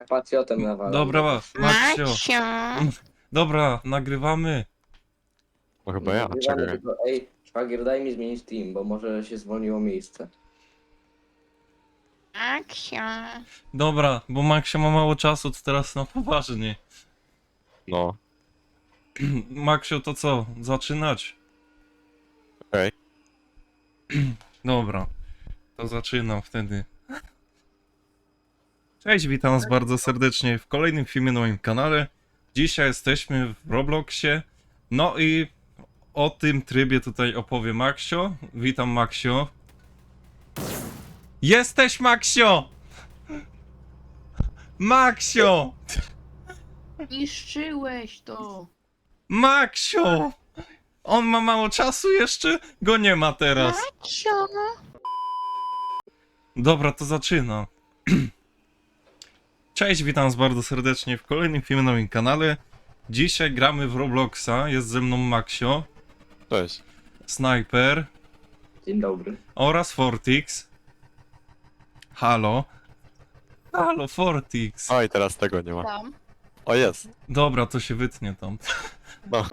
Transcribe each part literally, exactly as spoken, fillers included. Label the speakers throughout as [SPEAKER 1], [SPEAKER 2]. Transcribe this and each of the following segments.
[SPEAKER 1] Pacjotem nawalam.
[SPEAKER 2] Dobra, Maksio.
[SPEAKER 3] Maksio!
[SPEAKER 2] Dobra, nagrywamy.
[SPEAKER 4] No chyba ja,
[SPEAKER 1] Nagrywamy
[SPEAKER 4] czekaj.
[SPEAKER 1] tylko, ej, szwagier, daj mi zmienić team, bo może się zwolniło miejsce.
[SPEAKER 3] Maksio!
[SPEAKER 2] Dobra, bo Maksio ma mało czasu, to teraz na poważnie.
[SPEAKER 4] No,
[SPEAKER 2] Maksio, to co? Zaczynać?
[SPEAKER 4] okej.
[SPEAKER 2] Dobra, to zaczynam wtedy. Cześć, witam was bardzo serdecznie w kolejnym filmie na moim kanale. Dzisiaj jesteśmy w Robloxie. No i o tym trybie tutaj opowie Maksio. Witam, Maksio. Jesteś, Maksio! Maksio!
[SPEAKER 3] Niszczyłeś to!
[SPEAKER 2] Maksio! On ma mało czasu jeszcze? Go nie ma teraz.
[SPEAKER 3] Maksio!
[SPEAKER 2] Dobra, to zaczynam. Cześć, witam was bardzo serdecznie w kolejnym filmie na moim kanale. Dzisiaj gramy w Robloxa, jest ze mną Maksio,
[SPEAKER 4] Cześć.
[SPEAKER 2] Sniper
[SPEAKER 1] Dzień dobry.
[SPEAKER 2] oraz Fortix. Halo. Halo, Fortix.
[SPEAKER 4] O, i teraz tego nie ma.
[SPEAKER 3] Tam.
[SPEAKER 4] O, jest.
[SPEAKER 2] Dobra, to się wytnie tam.
[SPEAKER 4] No.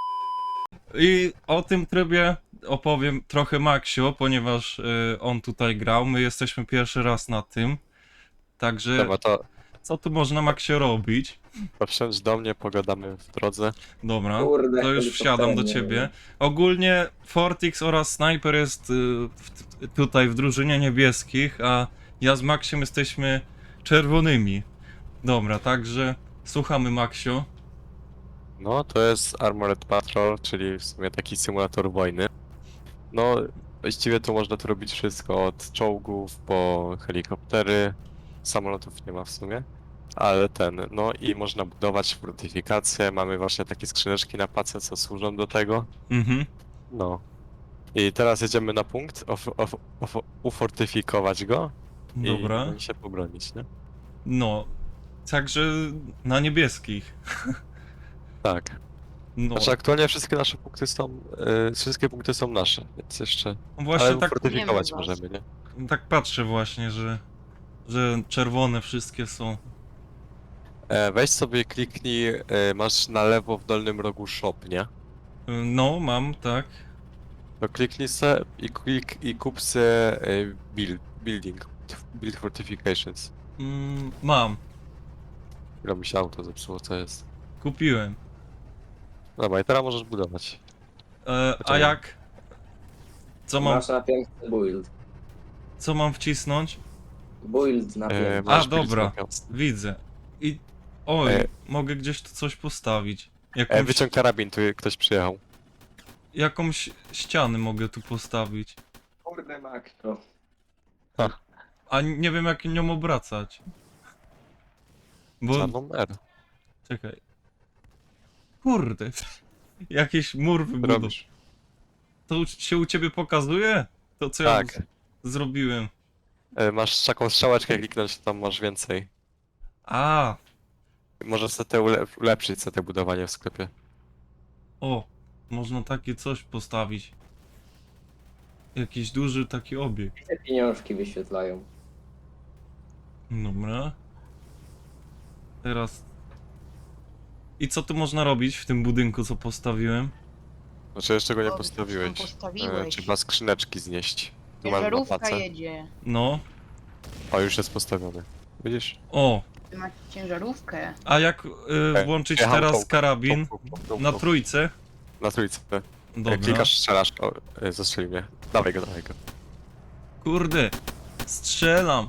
[SPEAKER 2] I o tym trybie opowiem trochę Maksio, ponieważ y, on tutaj grał. My jesteśmy pierwszy raz na tym. Także
[SPEAKER 4] Dobra, to,
[SPEAKER 2] co tu można, Maksio, robić?
[SPEAKER 4] to wsiądź do mnie, pogadamy w drodze.
[SPEAKER 2] Dobra,
[SPEAKER 1] Kurde,
[SPEAKER 2] to już
[SPEAKER 1] helikopterem
[SPEAKER 2] wsiadam do
[SPEAKER 1] nie
[SPEAKER 2] ciebie.
[SPEAKER 1] wiem.
[SPEAKER 2] Ogólnie Fortix oraz Sniper jest y, w, tutaj w drużynie niebieskich, a ja z Maksiem jesteśmy czerwonymi. Dobra, także słuchamy, Maksio.
[SPEAKER 4] No, to jest Armored Patrol, czyli w sumie taki symulator wojny. No, właściwie to można tu robić wszystko, od czołgów po helikoptery. Samolotów nie ma w sumie. Ale ten, no i można budować fortyfikacje. Mamy właśnie takie skrzyneczki na pace, co służą do tego.
[SPEAKER 2] Mhm.
[SPEAKER 4] No. I teraz jedziemy na punkt, of, of, of, ufortyfikować go.
[SPEAKER 2] Dobra.
[SPEAKER 4] I, i się pobronić, nie?
[SPEAKER 2] No, także na niebieskich.
[SPEAKER 4] Tak.
[SPEAKER 2] No,
[SPEAKER 4] Znaczy aktualnie wszystkie nasze punkty są, y, wszystkie punkty są nasze, więc jeszcze,
[SPEAKER 2] właśnie
[SPEAKER 4] ale
[SPEAKER 2] tak,
[SPEAKER 4] ufortyfikować
[SPEAKER 3] Nie wiem was.
[SPEAKER 4] możemy, nie?
[SPEAKER 2] tak patrzę właśnie, że, że czerwone wszystkie są.
[SPEAKER 4] E, weź sobie kliknij, e, masz na lewo w dolnym rogu shop, nie?
[SPEAKER 2] Y, No, mam, tak.
[SPEAKER 4] To kliknij se i, klik, i kup se e, build, building, build fortifications.
[SPEAKER 2] Mm, mam,
[SPEAKER 4] Ile mi się auto zepsuło, co jest?
[SPEAKER 2] kupiłem.
[SPEAKER 4] Dobra, i teraz możesz budować.
[SPEAKER 2] E, a
[SPEAKER 4] Poczekaj.
[SPEAKER 2] jak? Co mam,
[SPEAKER 1] Masz na piękny build.
[SPEAKER 2] co mam wcisnąć?
[SPEAKER 1] Build na
[SPEAKER 4] E,
[SPEAKER 1] piękny.
[SPEAKER 4] masz build
[SPEAKER 2] dobra.
[SPEAKER 4] na piątce.
[SPEAKER 2] Widzę. I... Oj,
[SPEAKER 4] E.
[SPEAKER 2] mogę gdzieś tu coś postawić.
[SPEAKER 4] E,
[SPEAKER 2] Jakąś,
[SPEAKER 4] wyciąg karabin, tu ktoś przyjechał.
[SPEAKER 2] jakąś ścianę mogę tu postawić.
[SPEAKER 1] Kurde, Maksio.
[SPEAKER 2] A nie wiem, jak nią obracać. Bo...
[SPEAKER 4] Czarną R.
[SPEAKER 2] Czekaj. Kurde. Jakiś mur wybudował.
[SPEAKER 4] Robisz.
[SPEAKER 2] To u- się u ciebie pokazuje? To co
[SPEAKER 4] Tak.
[SPEAKER 2] ja z- zrobiłem.
[SPEAKER 4] E, masz taką strzałeczkę kliknąć, tam masz więcej.
[SPEAKER 2] A,
[SPEAKER 4] Możesz sobie te ule- ulepszyć sobie te budowanie w sklepie.
[SPEAKER 2] o. Można takie coś postawić. Jakiś duży taki obiekt.
[SPEAKER 1] Te pieniążki wyświetlają.
[SPEAKER 2] Dobra. Teraz... I co tu można robić w tym budynku, co postawiłem?
[SPEAKER 4] Znaczy jeszcze go nie
[SPEAKER 3] O,
[SPEAKER 4] postawiłeś.
[SPEAKER 3] tam
[SPEAKER 4] E,
[SPEAKER 3] postawiłeś.
[SPEAKER 4] trzeba skrzyneczki znieść. Tu mamy
[SPEAKER 3] Ciężarówka
[SPEAKER 4] mapacę.
[SPEAKER 3] jedzie.
[SPEAKER 2] No.
[SPEAKER 4] O, już jest postawiony. Widzisz?
[SPEAKER 2] O.
[SPEAKER 3] Ty masz ciężarówkę.
[SPEAKER 2] A jak y,
[SPEAKER 4] Ej,
[SPEAKER 2] włączyć
[SPEAKER 4] jechał
[SPEAKER 2] teraz
[SPEAKER 4] czołg.
[SPEAKER 2] karabin
[SPEAKER 4] Puk, puk, puk,
[SPEAKER 2] na
[SPEAKER 4] puk.
[SPEAKER 2] trójce?
[SPEAKER 4] Na trójce. E,
[SPEAKER 2] Dobra.
[SPEAKER 4] Klikasz, strzelasz. O, e, zastrzeli mnie. Dawaj go, dawaj go.
[SPEAKER 2] Kurde. Strzelam.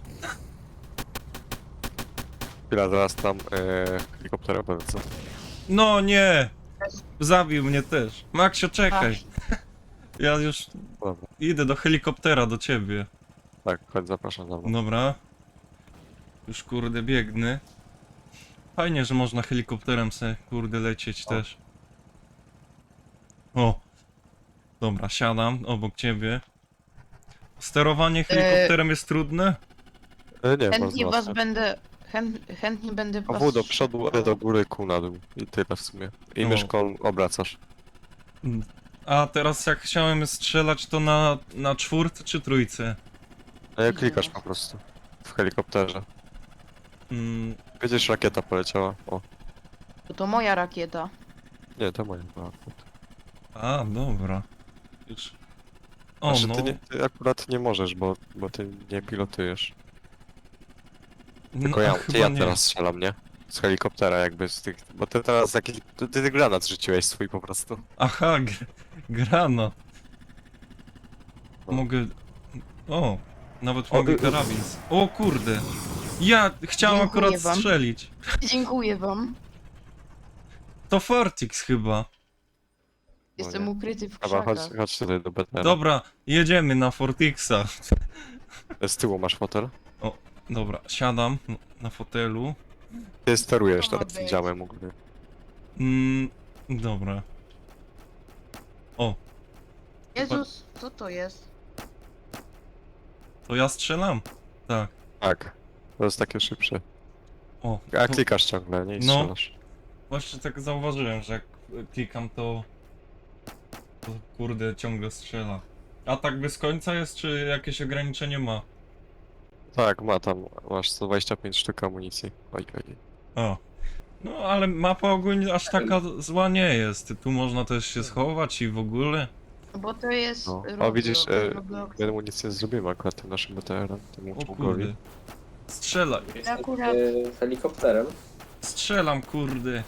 [SPEAKER 4] Chwila, zaraz tam e, helikopter polecę.
[SPEAKER 2] No nie. Zabił mnie też. Maksio, czekaj. Ja już
[SPEAKER 4] Dobra.
[SPEAKER 2] idę do helikoptera do ciebie.
[SPEAKER 4] Tak, chodź, zapraszam za mną.
[SPEAKER 2] Dobra. Już kurde biegnę. Fajnie, że można helikopterem se kurde lecieć
[SPEAKER 4] O.
[SPEAKER 2] też. O. Dobra, siadam obok ciebie. Sterowanie helikopterem jest trudne?
[SPEAKER 4] E, nie,
[SPEAKER 3] Chętnie
[SPEAKER 4] bardzo
[SPEAKER 3] was
[SPEAKER 4] łatwe.
[SPEAKER 3] będę... Chęt, chętnie będę
[SPEAKER 4] O,
[SPEAKER 3] was...
[SPEAKER 4] W do przodu, E do góry, Q na dół. I tyle w sumie. I
[SPEAKER 2] O.
[SPEAKER 4] myszką obracasz.
[SPEAKER 2] A teraz jak chciałem strzelać, to na, na czwórce czy trójce?
[SPEAKER 4] A ja klikasz po prostu. W helikopterze.
[SPEAKER 2] Mm,
[SPEAKER 4] Widzisz, rakieta poleciała. O,
[SPEAKER 3] To to moja rakieta.
[SPEAKER 4] nie, to moja była.
[SPEAKER 2] A, dobra. Już. O,
[SPEAKER 4] Znaczy,
[SPEAKER 2] no.
[SPEAKER 4] ty, nie, ty akurat nie możesz, bo, bo ty nie pilotujesz. Tylko
[SPEAKER 2] no,
[SPEAKER 4] ja,
[SPEAKER 2] a
[SPEAKER 4] ty
[SPEAKER 2] chyba
[SPEAKER 4] ja
[SPEAKER 2] nie.
[SPEAKER 4] teraz strzelam, nie? Z helikoptera jakby z tych... Bo ty teraz jakiś... Ty, ty granat rzuciłeś swój po prostu.
[SPEAKER 2] Aha, gr granat.
[SPEAKER 4] No.
[SPEAKER 2] Mogę... O, nawet
[SPEAKER 4] O,
[SPEAKER 2] mogę
[SPEAKER 4] y- y-
[SPEAKER 2] karabin. z- O kurde. Ja chciałem
[SPEAKER 3] Dziękuję
[SPEAKER 2] akurat
[SPEAKER 3] wam.
[SPEAKER 2] strzelić.
[SPEAKER 3] Dziękuję wam.
[SPEAKER 2] To Fortix chyba.
[SPEAKER 3] Jestem
[SPEAKER 4] nie.
[SPEAKER 3] ukryty w
[SPEAKER 4] Dobra, chodź,
[SPEAKER 3] krzakach.
[SPEAKER 4] chodź tutaj do B T R.
[SPEAKER 2] Dobra, jedziemy na Fortixa.
[SPEAKER 4] Z tyłu masz fotel.
[SPEAKER 2] Dobra, siadam n- na fotelu.
[SPEAKER 4] Ty sterujesz
[SPEAKER 3] To ma
[SPEAKER 4] teraz tym
[SPEAKER 3] być.
[SPEAKER 4] działem ogólnie.
[SPEAKER 2] Mm, dobra. O,
[SPEAKER 3] Jezus, co to jest?
[SPEAKER 2] to ja strzelam? Tak.
[SPEAKER 4] Tak. To jest takie szybsze.
[SPEAKER 2] O,
[SPEAKER 4] A
[SPEAKER 2] to
[SPEAKER 4] klikasz ciągle, nie? I
[SPEAKER 2] No.
[SPEAKER 4] strzelasz.
[SPEAKER 2] właśnie tak zauważyłem, że jak klikam to... To kurde ciągle strzela. A tak bez końca jest, czy jakieś ograniczenie ma?
[SPEAKER 4] Tak, ma tam, masz sto dwadzieścia pięć sztuk amunicji. Oj, oj.
[SPEAKER 2] O. No ale mapa ogólnie aż taka zła nie jest. Tu można też się schować i w ogóle.
[SPEAKER 3] Bo to jest
[SPEAKER 4] No. O,
[SPEAKER 3] Roblox,
[SPEAKER 4] widzisz, e,
[SPEAKER 3] Roblox.
[SPEAKER 4] My amunicję zrobimy akurat tym naszym B T R-em, tym
[SPEAKER 2] O
[SPEAKER 4] czołgowi.
[SPEAKER 2] kurde. Strzelaj.
[SPEAKER 3] Akurat-
[SPEAKER 1] Yy, helikopterem.
[SPEAKER 2] Strzelam kurde.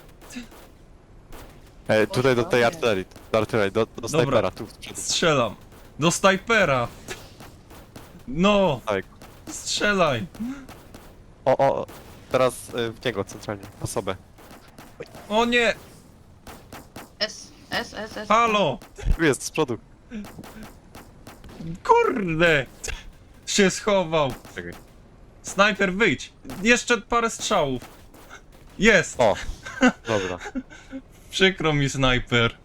[SPEAKER 4] Ej, tutaj do tej
[SPEAKER 3] Boże.
[SPEAKER 4] artylerii, do artylerii, do, do snajpera, tu w przodu.
[SPEAKER 2] Strzelam. Do snajpera. No.
[SPEAKER 4] Tak.
[SPEAKER 2] Strzelaj.
[SPEAKER 4] O, o, teraz y, w niego centralnie, osobę.
[SPEAKER 2] O nie.
[SPEAKER 3] S, S, S, S.
[SPEAKER 2] Halo.
[SPEAKER 4] Tu jest, z przodu.
[SPEAKER 2] Kurde. Się schował.
[SPEAKER 4] Czekaj.
[SPEAKER 2] Snajper wyjdź. Jeszcze parę strzałów. Jest.
[SPEAKER 4] O, dobra.
[SPEAKER 2] Przykro mi snajper.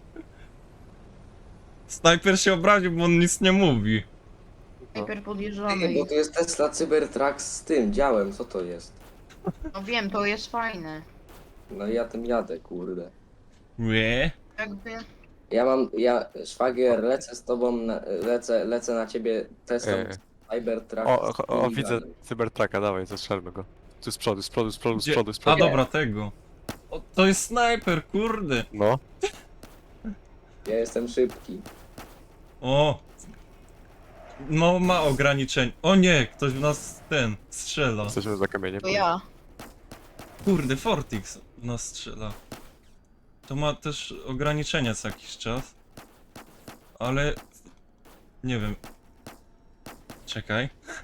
[SPEAKER 2] Snajper się obraził, bo on nic nie mówi.
[SPEAKER 3] Sniper
[SPEAKER 1] Ej,
[SPEAKER 3] podjeżdżamy.
[SPEAKER 1] bo tu jest Tesla Cybertruck z tym działem, co to jest?
[SPEAKER 3] No wiem, to jest fajne.
[SPEAKER 1] No i ja tym jadę, kurde.
[SPEAKER 2] Nie.
[SPEAKER 3] Jakby...
[SPEAKER 1] Ja mam, ja, szwagier, lecę z tobą, na, lecę, lecę na ciebie Tesla
[SPEAKER 4] E,
[SPEAKER 1] Cybertruck.
[SPEAKER 4] o,
[SPEAKER 1] z
[SPEAKER 4] o, o,
[SPEAKER 1] tym
[SPEAKER 4] widzę
[SPEAKER 1] działem.
[SPEAKER 4] cybertraka, dawaj, zastrzelmy go. Tu z przodu, z przodu, z przodu, z
[SPEAKER 2] Gdzie?
[SPEAKER 4] przodu, z
[SPEAKER 2] A
[SPEAKER 4] przodu.
[SPEAKER 2] dobra, tego. O, to jest snajper, kurde.
[SPEAKER 4] No,
[SPEAKER 1] Ja jestem szybki.
[SPEAKER 2] O. No ma ograniczeń. O nie, ktoś w nas ten strzela.
[SPEAKER 4] jesteśmy za kamieniem.
[SPEAKER 3] To ja.
[SPEAKER 2] Kurde, Fortix w nas strzela. To ma też ograniczenia co jakiś czas. Ale... Nie wiem. Czekaj.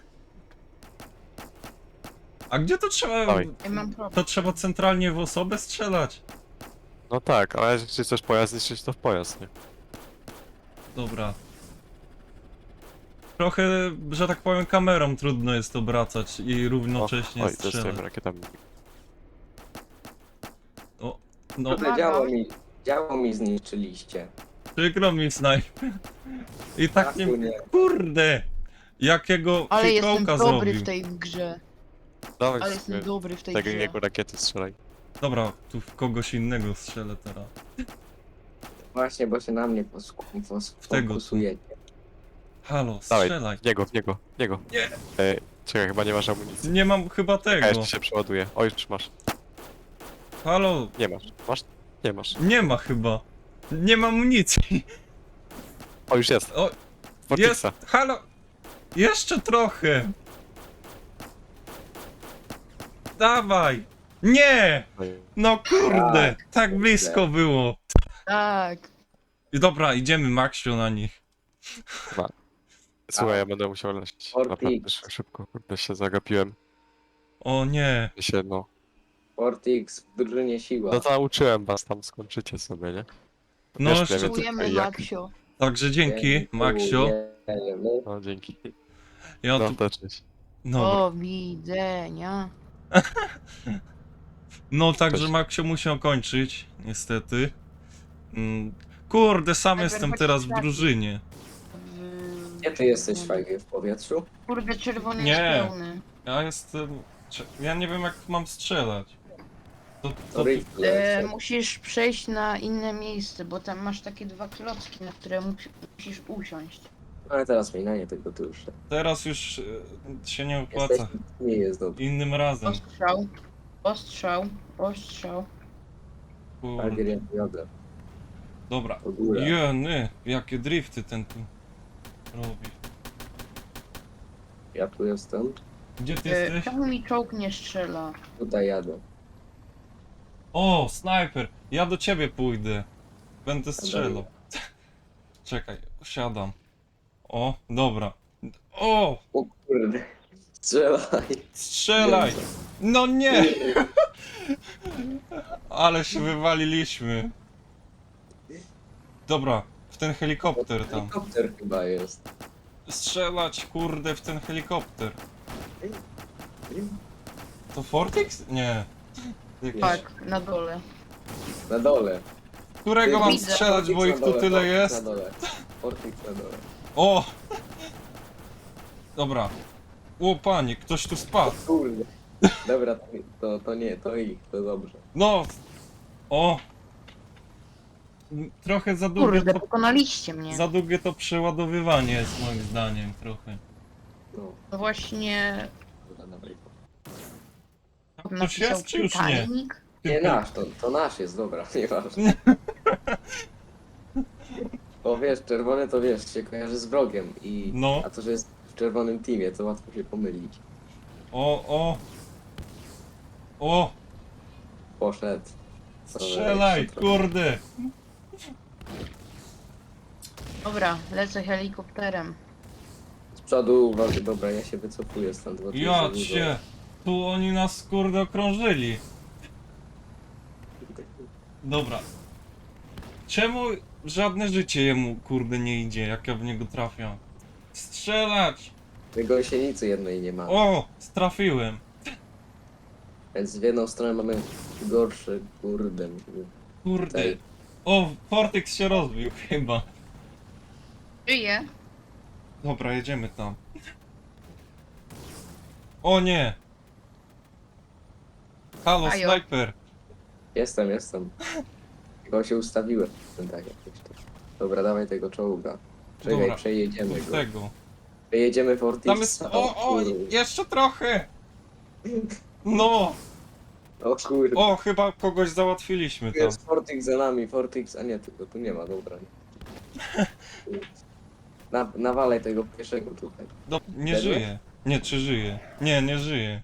[SPEAKER 2] A gdzie to trzeba...
[SPEAKER 4] Dawaj.
[SPEAKER 3] Ja mam problem.
[SPEAKER 2] To trzeba centralnie w osobę strzelać?
[SPEAKER 4] No tak, ale jeśli chcesz pojazd zniszczyć, to w pojazd, nie?
[SPEAKER 2] Dobra. Trochę, że tak powiem, kamerą trudno jest obracać i
[SPEAKER 4] O,
[SPEAKER 2] równocześnie
[SPEAKER 4] oj, to jest
[SPEAKER 2] strzelać.
[SPEAKER 4] tym rakietami.
[SPEAKER 2] O, no,
[SPEAKER 1] Kurde, działo mi, działo mi zniszczyliście.
[SPEAKER 2] przykro mi snajper. I tak nie...
[SPEAKER 1] Traku nie.
[SPEAKER 2] Kurde! Jakiego
[SPEAKER 3] Ale jestem
[SPEAKER 2] fikołka
[SPEAKER 3] dobry
[SPEAKER 2] zrobił.
[SPEAKER 3] w tej grze.
[SPEAKER 4] Dawaj,
[SPEAKER 3] Ale jestem
[SPEAKER 4] sobie
[SPEAKER 3] dobry w tej
[SPEAKER 4] tego
[SPEAKER 3] grze.
[SPEAKER 4] jego rakiety strzelaj.
[SPEAKER 2] Dobra, tu w kogoś innego strzelę teraz.
[SPEAKER 1] Właśnie, bo się na mnie posku- pos-
[SPEAKER 2] W tego tu.
[SPEAKER 1] fokusujecie.
[SPEAKER 2] Halo,
[SPEAKER 4] Dawaj,
[SPEAKER 2] strzelaj.
[SPEAKER 4] w niego, w niego, w niego.
[SPEAKER 2] Nie.
[SPEAKER 4] Ej, czekaj, chyba nie masz amunicji.
[SPEAKER 2] Nie mam chyba
[SPEAKER 4] A
[SPEAKER 2] tego.
[SPEAKER 4] jeszcze się przeładuje. O, już masz.
[SPEAKER 2] Halo,
[SPEAKER 4] Nie masz. Masz? Nie masz.
[SPEAKER 2] nie ma chyba. Nie mam amunicji.
[SPEAKER 4] O, już jest.
[SPEAKER 2] O,
[SPEAKER 4] Fortixa.
[SPEAKER 2] jest. Halo. Jeszcze trochę. Dawaj. Nie.
[SPEAKER 4] Oj.
[SPEAKER 2] No kurde,
[SPEAKER 1] Tak,
[SPEAKER 2] tak blisko było.
[SPEAKER 3] Tak.
[SPEAKER 2] I dobra, idziemy Maxiu na nich.
[SPEAKER 4] Słuchaj,
[SPEAKER 1] A.
[SPEAKER 4] ja będę musiał lecieć.
[SPEAKER 1] Fortix.
[SPEAKER 4] Naprawdę szy- szybko. Kurde, się zagapiłem.
[SPEAKER 2] O nie.
[SPEAKER 4] Się, no.
[SPEAKER 1] Fortix w drużynie siła.
[SPEAKER 4] No to nauczyłem was, tam skończycie sobie, nie?
[SPEAKER 2] No
[SPEAKER 4] Wiesz,
[SPEAKER 2] jeszcze-
[SPEAKER 4] mniej więcej
[SPEAKER 3] Dziękujemy,
[SPEAKER 4] jak-
[SPEAKER 3] Maksio.
[SPEAKER 2] Także dzięki, Maxiu.
[SPEAKER 1] Dziękujemy.
[SPEAKER 4] No, dzięki.
[SPEAKER 2] Ja
[SPEAKER 4] No,
[SPEAKER 2] tu...
[SPEAKER 4] to cześć.
[SPEAKER 2] Dobra.
[SPEAKER 3] Do widzenia.
[SPEAKER 2] No także
[SPEAKER 4] Cześć.
[SPEAKER 2] Maxiu musiał kończyć, niestety. Mm, Kurde, sam
[SPEAKER 3] Najpierw
[SPEAKER 2] jestem
[SPEAKER 3] chodź
[SPEAKER 2] teraz w
[SPEAKER 3] sprawdzić.
[SPEAKER 2] drużynie.
[SPEAKER 3] W...
[SPEAKER 1] Gdzie ty jesteś, szwagier, w powietrzu?
[SPEAKER 3] Kurde, czerwony
[SPEAKER 2] Nie.
[SPEAKER 3] jest pełny.
[SPEAKER 2] Ja jestem... cze- Ja nie wiem jak mam strzelać. To, to,
[SPEAKER 1] To
[SPEAKER 2] ty...
[SPEAKER 1] rifle.
[SPEAKER 3] E, musisz przejść na inne miejsce, bo tam masz takie dwa klocki, na które musi- musisz usiąść.
[SPEAKER 1] Ale teraz mi na nie tego tu już.
[SPEAKER 2] Teraz już e, się nie opłaca.
[SPEAKER 1] Jesteś, nie jest dobrze.
[SPEAKER 2] Innym razem.
[SPEAKER 3] Ostrzał. Ostrzał, ostrzał.
[SPEAKER 2] Kurde.
[SPEAKER 1] Szwagier, ja jadę.
[SPEAKER 2] Dobra.
[SPEAKER 1] W górę.
[SPEAKER 2] Jeny, jakie drifty ten tu robi.
[SPEAKER 1] Ja tu jestem.
[SPEAKER 2] Gdzie ty
[SPEAKER 3] E,
[SPEAKER 2] jesteś?
[SPEAKER 3] czemu mi czołg nie strzela?
[SPEAKER 1] Tutaj jadę.
[SPEAKER 2] O, snajper! Ja do ciebie pójdę. Będę strzelał.
[SPEAKER 1] Dobra.
[SPEAKER 2] Czekaj, siadam. O, dobra. O,
[SPEAKER 1] O kurde. Strzelaj.
[SPEAKER 2] strzelaj! No nie! Ale się wywaliliśmy. Dobra, w ten helikopter tam.
[SPEAKER 1] Helikopter chyba jest.
[SPEAKER 2] Strzelać, kurde, w ten helikopter. To Fortix? Nie. Jakiś...
[SPEAKER 3] Tak, na dole.
[SPEAKER 1] Na dole.
[SPEAKER 2] Którego mam
[SPEAKER 3] Widzę.
[SPEAKER 2] strzelać, bo
[SPEAKER 1] Fortix
[SPEAKER 2] ich
[SPEAKER 1] na
[SPEAKER 2] tu
[SPEAKER 1] dole,
[SPEAKER 2] tyle
[SPEAKER 1] Fortix
[SPEAKER 2] jest?
[SPEAKER 1] Na dole. Fortix na dole.
[SPEAKER 2] O! Dobra. O panie, ktoś tu spadł.
[SPEAKER 1] Kurde. Dobra, to, to, to nie, to ich, to dobrze.
[SPEAKER 2] No! O! Trochę za długie
[SPEAKER 3] Kurde,
[SPEAKER 2] to,
[SPEAKER 3] pokonaliście mnie.
[SPEAKER 2] za długie to przeładowywanie jest moim zdaniem trochę.
[SPEAKER 1] No,
[SPEAKER 3] No właśnie
[SPEAKER 1] dobra, dobra.
[SPEAKER 2] Ktoś
[SPEAKER 3] napisał
[SPEAKER 2] jest czy już nie?
[SPEAKER 3] Titanic.
[SPEAKER 1] Nie nasz, to, to nasz jest, dobra, nieważne. Bo wiesz, czerwony to wiesz, się kojarzy z wrogiem i...
[SPEAKER 2] No.
[SPEAKER 1] A to, że jest w czerwonym teamie, to łatwo się pomylić.
[SPEAKER 2] O, o! O!
[SPEAKER 1] Poszedł.
[SPEAKER 2] Strzelaj,
[SPEAKER 1] Jeszcze trochę.
[SPEAKER 2] kurde!
[SPEAKER 3] Dobra, lecę helikopterem.
[SPEAKER 1] Z przodu uważaj, dobra, ja się wycofuję stąd, bo tu jest za
[SPEAKER 2] Ja
[SPEAKER 1] dużo.
[SPEAKER 2] cię! Tu oni nas kurde okrążyli. Dobra. Czemu żadne życie jemu kurde nie idzie, jak ja w niego trafiam? Strzelać!
[SPEAKER 1] My gąsienicy jednej nie mamy.
[SPEAKER 2] O! Strafiłem.
[SPEAKER 1] Więc w jedną stronę mamy gorszy, kurde.
[SPEAKER 2] Kurde.
[SPEAKER 1] Tej.
[SPEAKER 2] O, Fortix się rozbił chyba.
[SPEAKER 3] Żyję.
[SPEAKER 2] Dobra, jedziemy tam. O nie! Halo,
[SPEAKER 3] Ajo.
[SPEAKER 2] snajper!
[SPEAKER 1] Jestem, jestem. Tylko się ustawiłem. Tak, jakoś tak. Dobra, dawaj tego czołga. Czekaj,
[SPEAKER 2] Dobra,
[SPEAKER 1] przejedziemy
[SPEAKER 2] Do
[SPEAKER 1] go.
[SPEAKER 2] tego.
[SPEAKER 1] Przejedziemy Fortix.
[SPEAKER 2] Tam jest... O, o! Jeszcze trochę! No!
[SPEAKER 1] O kurde.
[SPEAKER 2] O, chyba kogoś załatwiliśmy
[SPEAKER 1] Tu
[SPEAKER 2] tam.
[SPEAKER 1] jest Fortix za nami, Fortix, a nie, tylko tu nie ma, dobra. Na, nawalaj tego pierwszego tutaj.
[SPEAKER 2] Do... Nie
[SPEAKER 1] Ten?
[SPEAKER 2] żyje. Nie, czy żyje? Nie, nie żyje.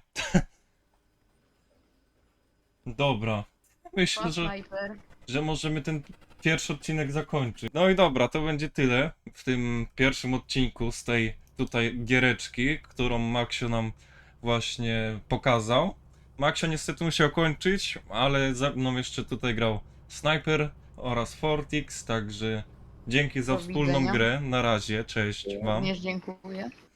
[SPEAKER 2] Dobra. Myślę,
[SPEAKER 3] Pan
[SPEAKER 2] że...
[SPEAKER 3] Sniper.
[SPEAKER 2] że możemy ten pierwszy odcinek zakończyć. No i dobra, to będzie tyle w tym pierwszym odcinku z tej tutaj giereczki, którą Maksio nam właśnie pokazał. Maksio niestety musiał kończyć, ale ze mną jeszcze tutaj grał Sniper oraz Fortix, także dzięki za
[SPEAKER 3] Do
[SPEAKER 2] wspólną
[SPEAKER 3] widzenia.
[SPEAKER 2] grę. Na razie, cześć wam.
[SPEAKER 3] Również dziękuję.